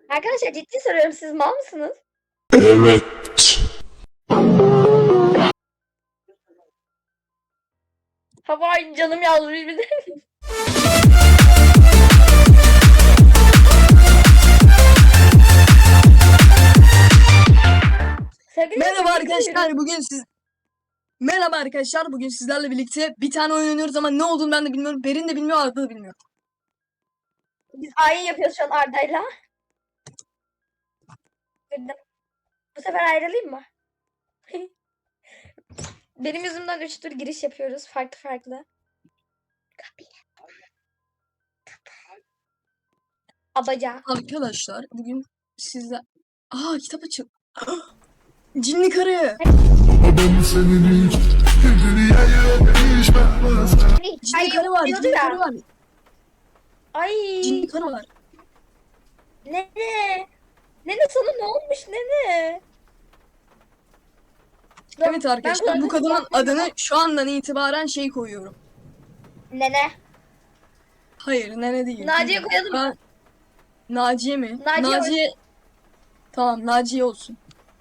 Arkadaşlar ciddi soruyorum, siz mal mısınız? Evet. Havai canım yazmış bir de. Sevgili Merhaba dinleyiciler, arkadaşlar Merhaba arkadaşlar bugün sizlerle birlikte bir tane oyun oynuyoruz ama ne olduğunu ben de bilmiyorum. Berin de bilmiyor, Arda da bilmiyor. biz ayin yapıyoruz şu an Arda'yla. Bu sefer ayrılayım mı? Benim yüzümden 3 tur giriş yapıyoruz farklı. Abaca. Arkadaşlar bugün sizler... Kitap açık. Cinli karı. Cinli karı var. Cinli karı var. Ay. Cinli karı var. Nene. Nene sana ne olmuş nene? Evet arkadaşlar bu kadının adını şu andan itibaren koyuyorum. Nene. Hayır nene değil. Naciye koyalım mı? Naciye mi? Naciye. Tamam Naciye olsun.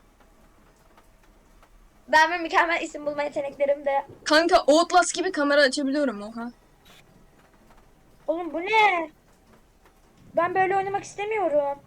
Ben ve mükemmel isim bulma yeteneklerim de. Kanka Outlast gibi kamera açabiliyorum oha. Oğlum bu ne? Ben böyle oynamak istemiyorum.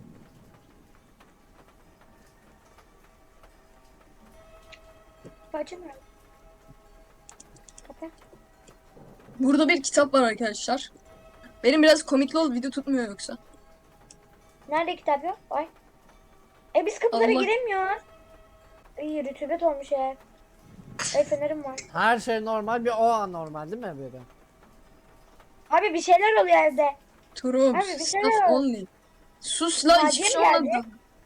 Kapı nerede? Kapı. Burada bir kitap var arkadaşlar. Benim biraz komikli ol, video tutmuyor yoksa. Nerede kitap yok? Ay. Biz kapılara Allah. giremiyoruz. İyi rütubet olmuş ev. Fenerim var. Her şey normal, bir o anormal değil mi böyle? Abi bir şeyler oluyor evde. Turun, Abi, bir şey stuff yok. only. Sus lan, hiçbir Naciye şey geldi. olmadı.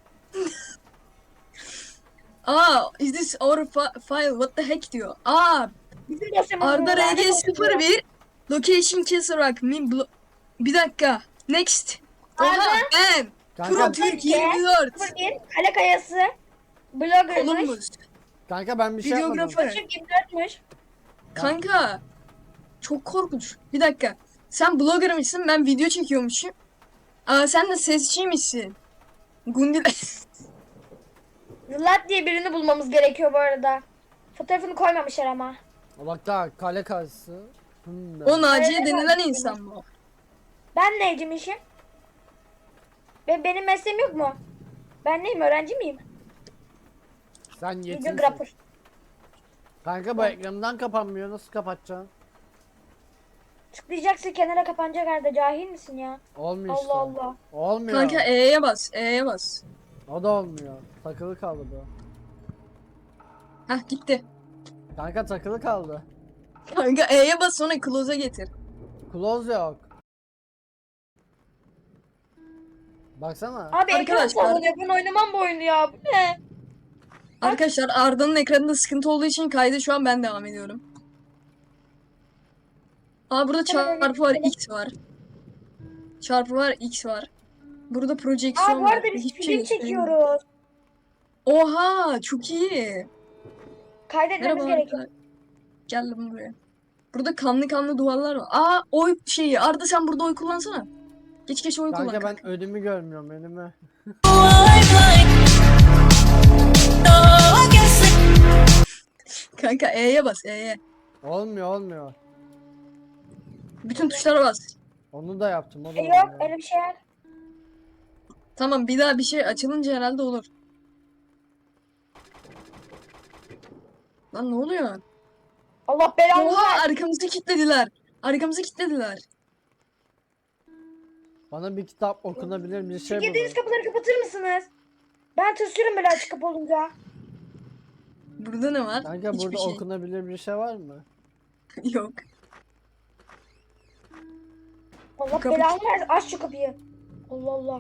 Is this our file? What the heck diyor. Bizim dosyamız Arda bu, lanet olsun diyor. RG01 Location Keserak bir dakika. Next. Oha Arda. ben. Pro Kanka, Türk Türkiye, 24. 01 Kale Kayası. Blogger'mış. Columbus. kanka ben bir şey yapmadım. Videografer. Küçük 24'müş. Kanka. Çok korkunç. Bir dakika. Sen bloggermışsın, ben video çekiyormuşum. Sen de sesçiymişsin. Gundil. Zılat diye birini bulmamız gerekiyor bu arada. Fotoğrafını koymamışlar ama. Bak daha kale karşısı. O Naciye Evet, denilen evet. insan bu. Ben neyciymişim? Benim mesleğim yok mu? Ben neyim? Öğrenci miyim? Sen yetinsin. Videographer. Kanka bu ekrandan kapanmıyor, nasıl kapatacaksın? Tıklayacaksın kenara kapanacak Arda. Cahil misin ya? Olmuyor işte. Allah Allah. Olmuyor. Kanka E'ye bas, E'ye bas. O da olmuyor. Takılı kaldı bu. Hah gitti. Kanka takılı kaldı. Kanka E'ye bas sonra close'a getir. Close yok. Baksana. Abi ekran Arkadaşlar. sallanıyor. Ben oynamam bu oyunu ya. Bu ne? Arkadaşlar Arda'nın ekranında sıkıntı olduğu için kaydı şu an ben devam ediyorum. Burada çarpı var, X var. Çarpı var, X var. Burada projeksiyon Bu var. arada biz Hiçbir film göstermiyor. çekiyoruz. Oha çok iyi. Kaydetmemiz Merhaba gerekiyor. Arda. Geldim buraya. Burada kanlı duvarlar var. Oy Arda sen burada oy kullansana. Geç oy kullan. Kanka ben önümü görmüyorum, önümü. Kanka E'ye bas, E'ye. Olmuyor. Bütün tuşlara bas. Onu da yaptım, o da Yok olmuyor. öyle bir şey yok. Tamam bir daha bir şey açılınca herhalde olur. Lan ne oluyor? Allah belanı Oha versin. Arkamızı kilitlediler. Bana bir kitap okunabilir bir şey Girdiğiniz bulun. kapıları kapatır mısınız? Ben tırsıyorum böyle açık kapı olunca. Burada ne var? Kanka Hiçbir burada şey. okunabilir bir şey var mı? Yok. Allah Kapı- belanı versin. Aç şu kapıyı. Allah Allah.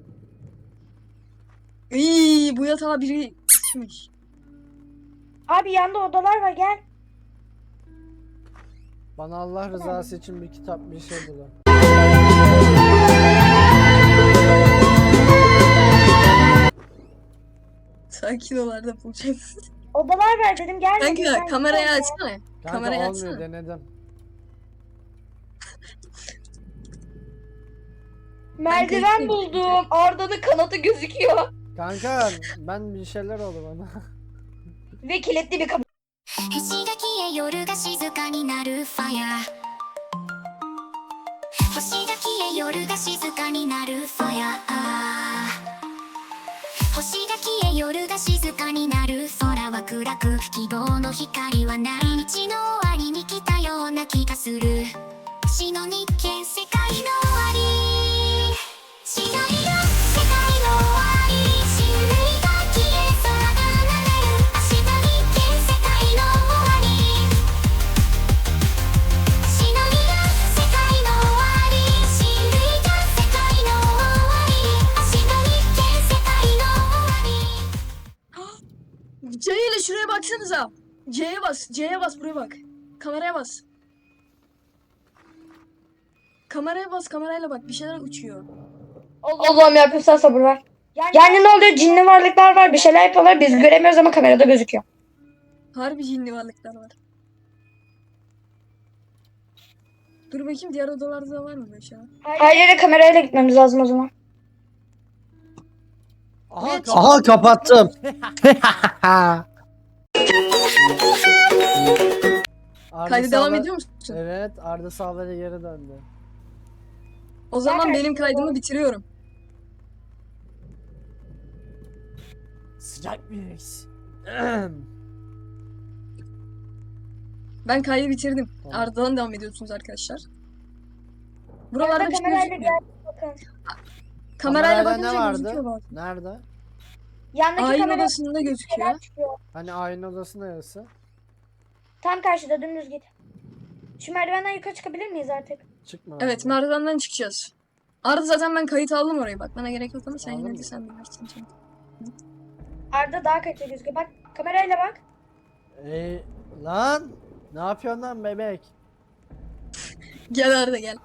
Bu yatağa biri sıçmış. Abi yanda odalar var gel. Bana Allah rızası için bir kitap bir şey bulun. Sakin ol Arda bulacaksın. Odalar var dedim gel. Kanka kamerayı açsana. Kanka Kamerayı olmuyor, açsana. denedim. Merdiven kayıtlıyım. buldum. Arda'nın kanadı gözüküyor. Kanka ben bir şeyler oldu bana. Ve kilitli bir kapı. 星が消え夜が静かになるファイア星が消え夜が静かになるファイア星が消え夜が静かになる空は暗く希望の光はない日の終わりに来たような気がする星の日見世界の終わり白いよ世界の終わり人類が消え空が流れる明日日見世界の終わり白いよ世界の終わり人類が世界の終わり明日日見世界の終わり C ile şuraya baksanıza. C'ye bas. C'ye bas, buraya bak. Kameraya bas. Kameraya bas, kamerayla bak. Bir şeyler uçuyor. Allah'ım yarabbim sen sabır ver. Yani ne oluyor? Cinli varlıklar var. Bir şeyler yapıyorlar. Biz göremiyoruz ama kamerada gözüküyor. Harbi cinli varlıklar var. Dur bakayım, diğer odalarda da var mı böyle şey? Her yere kamerayla gitmemiz lazım o zaman. Aha, Evet. aha kapattım. Arda Kaydı devam sağla- ediyor musun? Evet, Arda sağlara geri döndü. O zaman Ben- benim kaydımı bitiriyorum. Sıcak bir mix. Ben kaydı bitirdim. Tamam. Arda'dan devam ediyorsunuz arkadaşlar. Buralarda Arda bir şey kamerayla gözükmüyor. Bakın. Kamerayla Kamerayla bakınca ne vardı? gözüküyor bak. Nerede? Yandaki Ayin kamera odasında gözüküyor. çıkıyor. Hani aynı odası neresi? Tam karşıda dümdüz git. Şu merdivenden yukarı çıkabilir miyiz artık? Çıkma. Evet, abi. merdivenden çıkacağız. Arda zaten ben kayıt aldım orayı, bak bana gerek yok ama sen Aldın yine de mı? sen bilirsin canım. Arda daha kötü gözüküyor. Bak kamerayla bak. Lan! Ne yapıyorsun lan bebek? Gel Arda gel.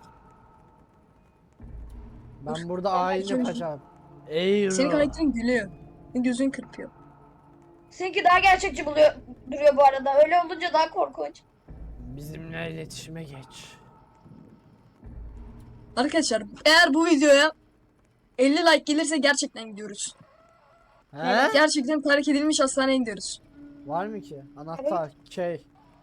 Ben burada Ben ayin bakıyorum. yapacağım. Ey Senin ruh. karakterin gülüyor. Gözün kırpıyor. Seninki daha gerçekçi duruyor bu arada. Öyle olunca daha korkunç. Bizimle iletişime geç. Arkadaşlar eğer bu videoya 50 like gelirse gerçekten gidiyoruz. He? Gerçekten terk edilmiş hastaneye gidiyoruz. Var mı ki? Anahtar, key.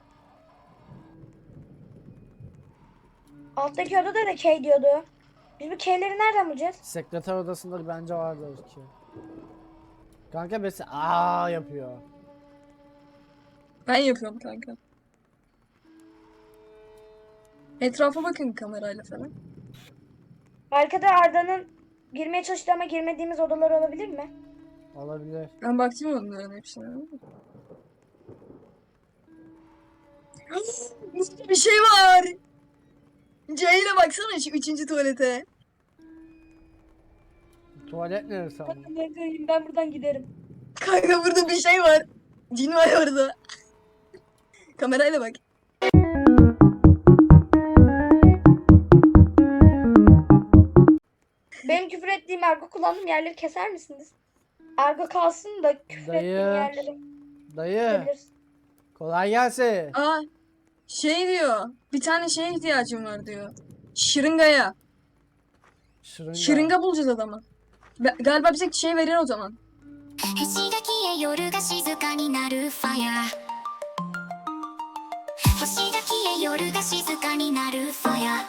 Alttaki odada da K diyordu. Biz bu K'leri nereden bulacağız? Sekreter odasında bence vardır ki. Kanka besi aa yapıyor. Ben yapıyorum kanka. Etrafa bakın kamerayla falan. Arkada Arda'nın girmeye çalıştığı ama girmediğimiz odalar olabilir mi? Olabilir. Ben baktım onların hepsine. Burada bir şey var. C ile baksana şu 3. tuvalete. Tuvalet neresi ama? Ben buradan giderim. Kanka burada bir şey var. Cin var orada. Kamerayla bak. Benim küfür ettiğim argo kullandığım yerleri keser misiniz? Argo kalsın da küfür Dayı. ettiğim yerleri Dayı, kesebiliriz. kolay gelsin. Aa, şey diyor. Bir tane şeye ihtiyacım var diyor. Şırıngaya. Şırınga. Şırınga bulacağız adama. Galiba bize şey verir o zaman. 星が消え夜が静かになるファイア星が消え夜が静かになるファイア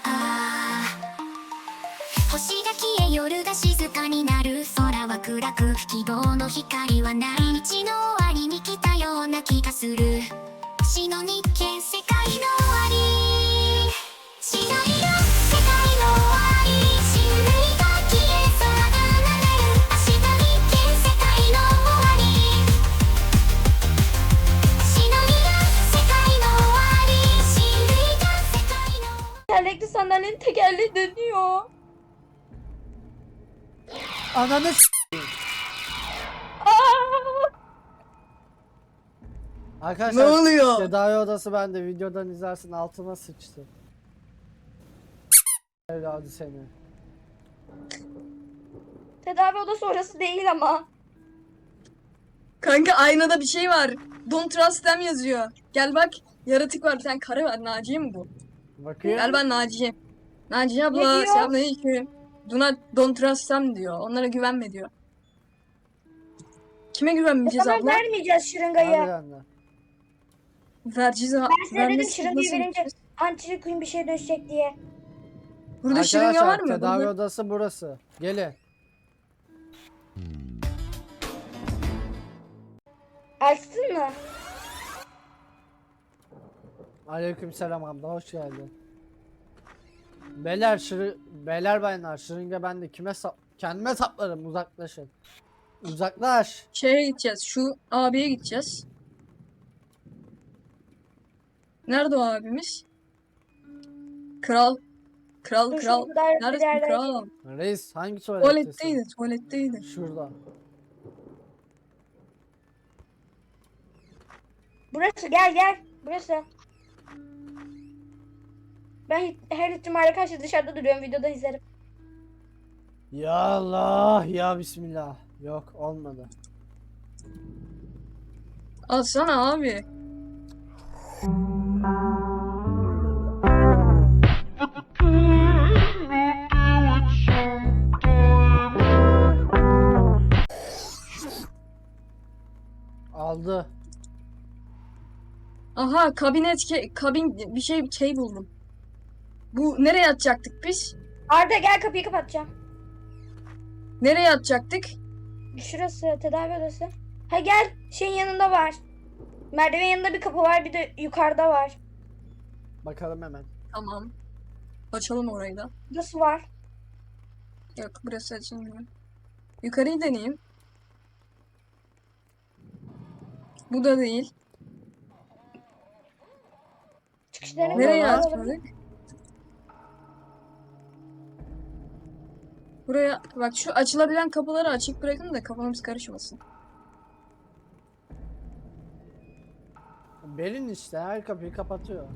星が消え夜が静かになる空は暗く希望の光はない日の終わりに来たような気がする星の日見世界の終わり白いよ世界の終わり人類が消え空が流れる明日日見世界の終わり白いよ世界の終わり人類が世界の Tekerlekli sandalyenin tekerleği dönüyor. Ananı s- Aa! Arkadaşlar Ne oluyor? tedavi odası bende, videodan izlersin, altıma sıçtı. Evladı seni. Tedavi odası orası değil ama. Kanka aynada bir şey var. Don't trust them yazıyor. Gel bak. Yaratık var. Bir tane karı var. Naciye mi bu? Bakayım. Gel ben Naciye. Naciye Ne abla. diyor? Selamünaleyküm. Don't trust them diyor. Onlara güvenme diyor. Kime güvenmeyeceğiz Tamam abla? vermeyeceğiz şırıngayı. Harbiden de. Vereceğiz. Ben size dedim Vermezsek şırıngayı nasıl verince gideceğiz? antilikuyum bir şeye dönüşecek diye. Burada şırınga var Arkadaşlar mı? tedavi Burada- odası burası. Gelin. Açtın mı? Aleykümselam abla, hoş geldin. Beyler bayanlar, şırınga bende, kendime saplarım, uzaklaşın. Uzaklaş. Şeye gideceğiz. Şu abiye gideceğiz. Nerede o abimiz? Kral. Kral Dur, kral. şu kadar bir Neredesin yerlere kral? Reis hangi tuvalettesin? Tuvaletteydi. Tuvaletteydi. Şurada. Burası gel. Burası. Ben her ihtimale karşı dışarıda duruyorum, videoda izlerim. Ya Allah ya Bismillah. Yok olmadı. Alsana abi. Aldı. Aha kabin bir şey buldum. Bu nereye atacaktık biz? Arda gel, kapıyı kapatacağım. Nereye atacaktık? Şurası tedavi odası. Ha gel, şeyin yanında var. Merdiven yanında bir kapı var, bir de yukarıda var. Bakalım hemen. Tamam. Açalım orayı da. Nasıl var? Yok burası açılmıyor. Yukarıyı deneyeyim. Bu da değil. Çıkışlarını Ne Nereye lan? açmadık? Buraya bak, şu açılabilen kapıları açık bırakın da kafamız karışmasın. Berin işte her kapıyı kapatıyor.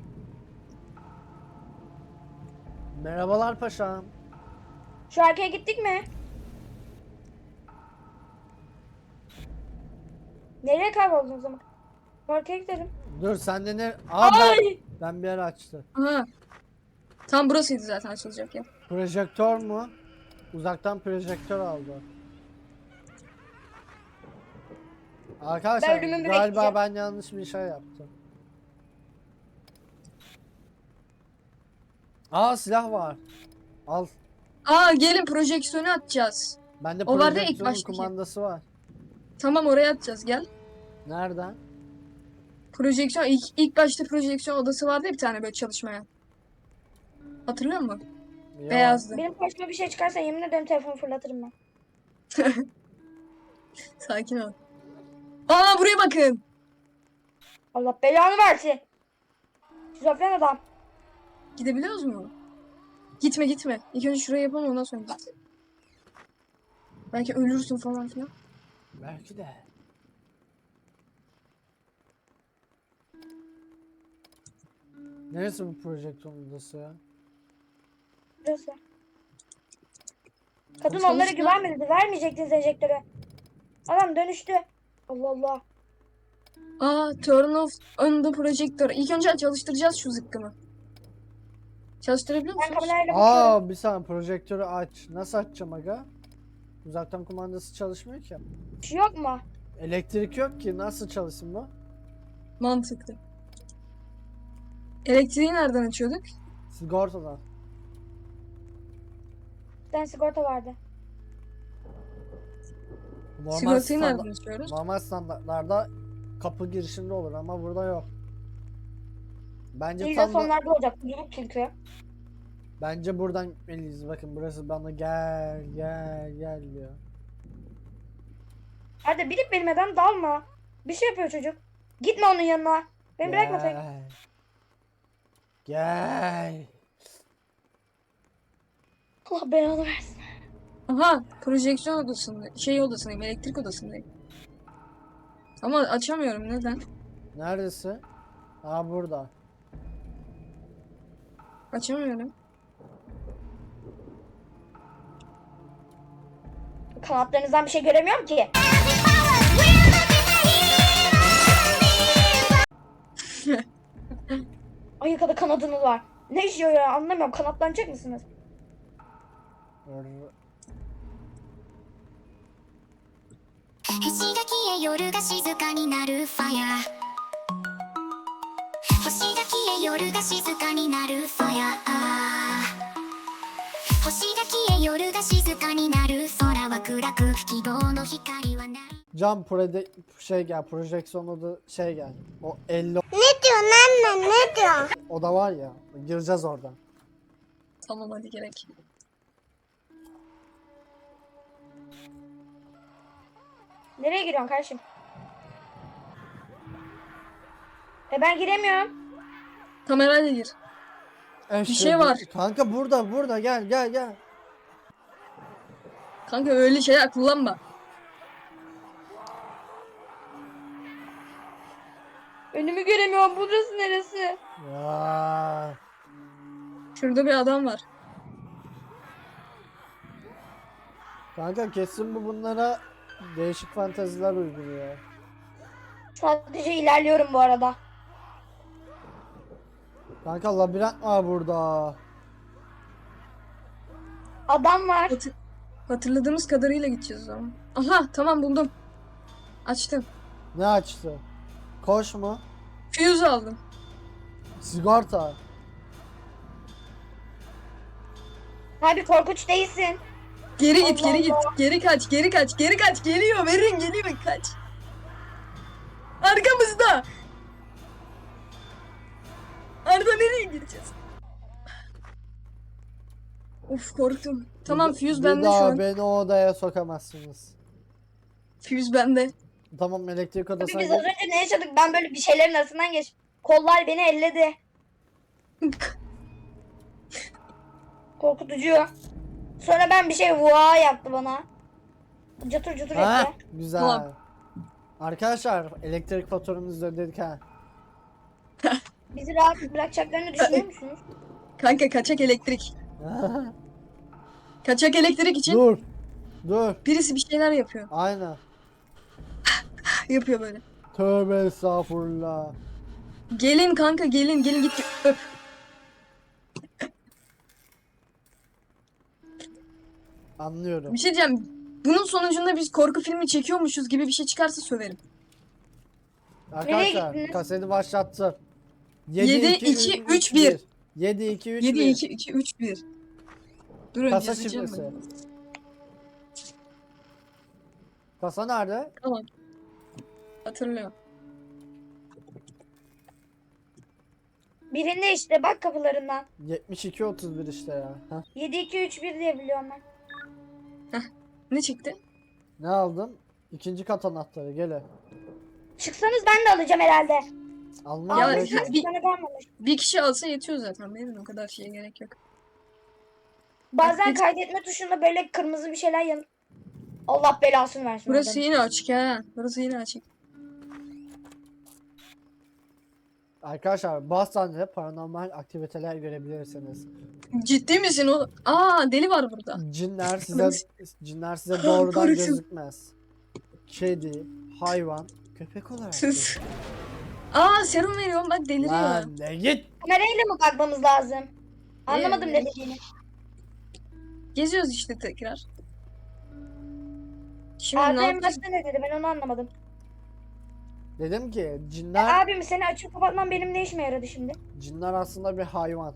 Merhabalar paşam. Şu arkaya gittik mi? Nereye kayboldun o zaman? Arkaya gidelim. Dur sen de ne? Aa ben bir ara açtı. Aha. Tam burasıydı zaten açılacak ya. Projektör mu? Uzaktan projektör aldı. Arkadaşlar Ben ölümümü galiba bekleyeceğim. ben yanlış bir şey yaptım. Aa silah var. Al. Aa gelin projeksiyonu atacağız. Bende O vardı ya ilk projektörün baştaki. kumandası var. Tamam oraya atacağız gel. Nereden? Projeksiyon ilk başta projeksiyon odası vardı ya bir tane böyle çalışmaya. Hatırlıyor musun? Ya, Beyazdı. Benim başıma bir şey çıkarsa yemin ederim telefonu fırlatırım ben. Sakin ol. Aa buraya bakın. Allah belanı versin. Şizofren adam. Gidebiliyoruz mu? Gitme gitme. İlk önce şurayı yapalım ondan sonra git. Belki ölürsün falan filan. Belki de. Neresi bu projektörün odası ya? Burası. Kadın Sonuçta- onlara güvenmedi dedi. Vermeyecektiniz enjektörü. Adam dönüştü. Allah Allah. Aa turn off on the projector. İlk önce çalıştıracağız şu zıkkımı. Çalıştırabiliyor Ben musunuz? kamerayla bakıyorum. Bir saniye projektörü aç. Nasıl açacağım aga? Uzaktan kumandası çalışmıyor ki. Bir şey yok mu? Elektrik yok ki, nasıl çalışsın bu? Mantıklı. Elektriği nereden açıyorduk? Sigortadan. Bir tane sigorta vardı. Normal, Sigortayı nereden açıyoruz? normal standartlarda kapı girişinde olur ama burada yok. Bence İlla tam da, sonlarda olacak. Yok çünkü. bence buradan gitmeliyiz. Bakın burası bana gel diyor. Hadi bilip bilmeden dalma. Bir şey yapıyor çocuk. Gitme onun yanına. Beni bırakma tek. Gel. Allah belanı versin. Aha projeksiyon odasında. Şey odasındayım. Elektrik odasındayım. Ama açamıyorum neden? Neredesin? Aa burada. Açamıyorum. Kanatlarınızdan bir şey göremiyorum ki. Ay kadar kanadınız var. Ne işiyor ya, anlamıyorum. Kanatlanacak mısınız? 星が消え夜が静かになるファヤ星が消え夜が静かになるファヤ星が消え夜が静かになる空は暗く希望の光はない Cam şey gel, projeksiyon oda şey gel. O 50. Ne diyor ne diyor? Oda var ya. Gireceğiz oradan. Tamam hadi gerek. Nereye giriyorsun kardeşim? Ben giremiyorum. Kamerayla gir. Bir şey var. Kanka burada gel. Kanka öyle şeyler kullanma. Önümü göremiyorum. Burası neresi? Ya. Şurada bir adam var. Kanka kesin bu bunlara değişik fanteziler uyguluyor. Sadece ilerliyorum bu arada. Kanka labirent var burada. Adam var. Hatırladığımız kadarıyla gideceğiz o zaman. Aha tamam buldum. Açtım. Ne açtı? Koş mu? Fuse aldım. Sigorta. Abi korkunç değilsin. Geri git, Allah geri git. Allah. Geri kaç, geri kaç, geri kaç. Geliyor, verin geliyor, kaç. Arkamızda. Arda nereye gireceğiz? Of korktum. Tamam fuse Bir bende şu daha an. beni o odaya sokamazsınız. Fuse bende. Tamam elektrik Abi odasına biz az gel. önce ne yaşadık? Ben böyle bir şeylerin arasından geç. Kollar beni elledi. Korkutucu. Sonra ben bir şey vaa yaptı bana. Catır catır Ha, etti. güzel. Tamam. Arkadaşlar elektrik faturanızı ödedik ha. Bizi rahat bırakacaklarını düşünüyor musunuz? Kanka kaçak elektrik. Kaçak elektrik için Dur. birisi bir şeyler yapıyor. Aynen. Yapıyor böyle. Tövbe estağfurullah. Gelin kanka gelin git öp. Anlıyorum. Bir şey diyeceğim. Bunun sonucunda biz korku filmi çekiyormuşuz gibi bir şey çıkarsa söverim. Arkadaşlar gittiniz? kaseti başlattı. 7, 2, 3, 1. 7 2 3 7, 1. 2, 2, 3, 1. Durun Kasa yazacağım şifresi. ben. Kasa nerede? Tamam. Hatırlıyorum. Birinde işte bak kapılarından. 72 31 işte ya. Heh. 7 2 3 1 diye biliyorum ben. Ne çıktı? Ne aldın? İkinci kat anahtarı gele. Çıksanız ben de alacağım herhalde. Almam Ya, gerek yok. bir- Bana kalmamış. Bir kişi alsa yetiyor zaten. Benim o kadar şeye gerek yok. Bazen Hiç- kaydetme tuşunda böyle kırmızı bir şeyler yan... Allah belasını versin. Burası oradan. yine açık ha. Burası yine açık. Arkadaşlar Bostan'da paranormal aktiviteler görebilirsiniz. Ciddi misin o? Aa deli var burada. Cinler size doğrudan Korktum. gözükmez. Kedi, hayvan, köpek olarak. Sus. Aa serum veriyorum bak deliriyor. Lan ne git. Kamerayla mı bakmamız lazım? Anlamadım ne dediğini. Geziyoruz işte tekrar. Şimdi Abi ne en yapacağız? başta ne dedi ben onu anlamadım. Dedim ki cinler Abim seni açıp kapatman benim ne işime yaradı şimdi? cinler aslında bir hayvan.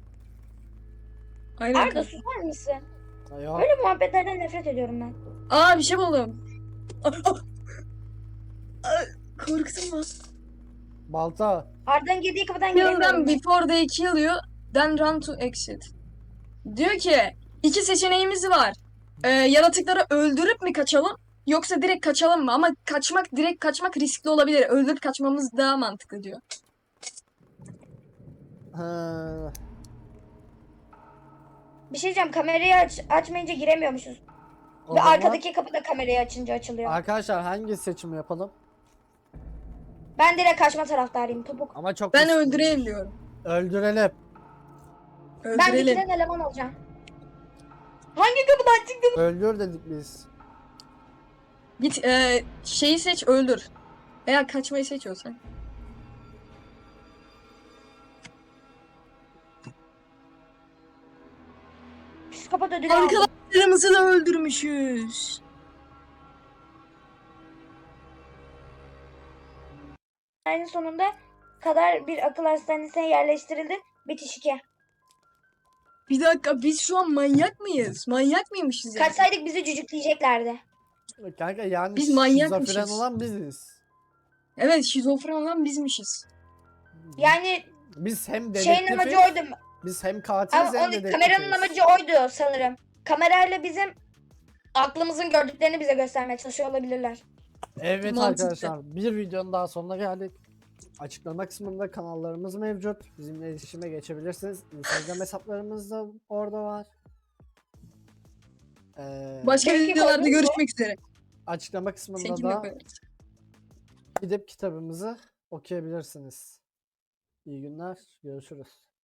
Aynen. Arda susar mısın? Yok. Böyle muhabbetlerden nefret ediyorum ben. Aa bir şey buldum. Korktum lan. Balta. Arda'nın girdiği kapıdan Kill them giremiyorum. ben. before they kill you, then run to exit. Diyor ki iki seçeneğimiz var. Yaratıkları öldürüp mi kaçalım yoksa direkt kaçalım mı? Ama direkt kaçmak riskli olabilir. Öldürüp kaçmamız daha mantıklı diyor. Ha, Bir şey diyeceğim kamerayı açmayınca giremiyormuşuz. o Ve zaman- arkadaki kapı da kamerayı açınca açılıyor. Arkadaşlar hangi seçimi yapalım? Ben direkt kaçma taraftarıyım topuk. Ama çok Ben riskli. öldüreyim diyorum. Öldürelim. Ben Öldürelim. dikiden eleman olacağım. Hangi kapıdan çıktın? Öldür dedik biz. Git şeyi seç öldür. Veya kaçmayı seçiyorsan. Psikopat ödülü Arkadaşlar aldım. Arkadaşlarımızı da öldürmüşüz. Ayın sonunda kadar bir akıl hastanesine yerleştirildi. Bitiş 2. Bir dakika biz şu an manyak mıyız? Manyak mıymışız yani? Kaçsaydık bizi cücükleyeceklerdi. Kanka yani Biz manyakmışız. şizofren olan biziz. Evet şizofren olan bizmişiz. Yani Biz hem şeyin amacı dedektifiz, oydu. biz hem katiliz Ama hem onu, dedektifiz. kameranın amacı oydu sanırım. Kamerayla bizim aklımızın gördüklerini bize göstermeye çalışıyor olabilirler. Evet Mantıklı. arkadaşlar, bir videonun daha sonuna geldik. Açıklama kısmında kanallarımız mevcut. Bizimle iletişime geçebilirsiniz. Instagram hesaplarımız da orada var. Başka Peki, videolarda oldu mu? görüşmek üzere. Açıklama kısmında Şekilde da koyarız. gidip kitabımızı okuyabilirsiniz. İyi günler, görüşürüz.